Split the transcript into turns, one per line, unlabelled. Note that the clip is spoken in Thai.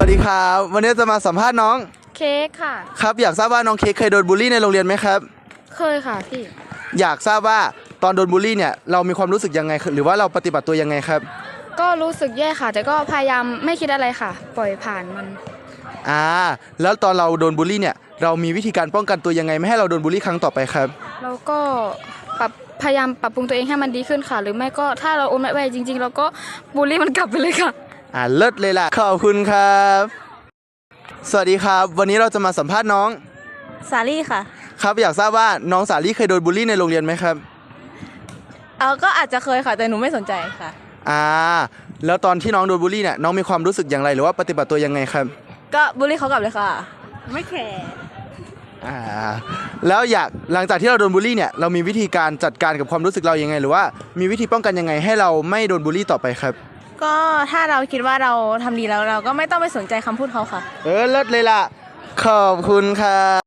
วัสดีครับวันนี้จะมาสัมภาษณ์น้อง
เค้กค่ะ
ครับอยากทราบว่าน้องเค้กเคยโดนบูลลี่ในโรงเรียนไหมครับ
เคยค่ะพี่
อยากทราบว่าตอนโดนบูลลี่เนี่ยเรามีความรู้สึกยังไงหรือว่าเราปฏิบัติตัวยังไงครับ
ก็รู้สึกแย่ค่ะแต่ก็พยายามไม่คิดอะไรค่ะปล่อยผ่านมัน
แล้วตอนเราโดนบูลลี่เนี่ยเรามีวิธีการป้องกันตัวยังไงไม่ให้เราโดนบูลลี่ครั้งต่อไปครับ
เราก็พยายามปรับปรุงตัวเองให้มันดีขึ้นค่ะหรือไม่ก็ถ้าเราอดไม่ไหวจริงๆเราก็บูลลี่มันกลับไปเลยค่ะ
เลิศเลยล่ะขอบคุณครับสวัสดีครับวันนี้เราจะมาสัมภาษณ์น้อง
สาลี่ค่ะ
ครับอยากทราบว่าน้องสาลี่เคยโดนบูลลี่ในโรงเรียนไหมครับ
ก็อาจจะเคยค่ะแต่หนูไม่สนใจค่ะ
แล้วตอนที่น้องโดนบูลลี่เนี่ยน้องมีความรู้สึกอย่างไรหรือว่าปฏิบัติตัวยังไงครับ
ก็บูลลี่เขากลับเลยค่ะไม่แคร์
แล้วหลังจากที่เราโดนบูลลี่เนี่ยเรามีวิธีการจัดการกับความรู้สึกเรายังไงหรือว่ามีวิธีป้องกันยังไงให้เราไม่โดนบูลลี่ต่อไปครับ
ก็ถ้าเราคิดว่าเราทำดีแล้วเราก็ไม่ต้องไปสนใจคำพูดเขาค่ะ
เลิศเลยล่ะขอบคุณครับ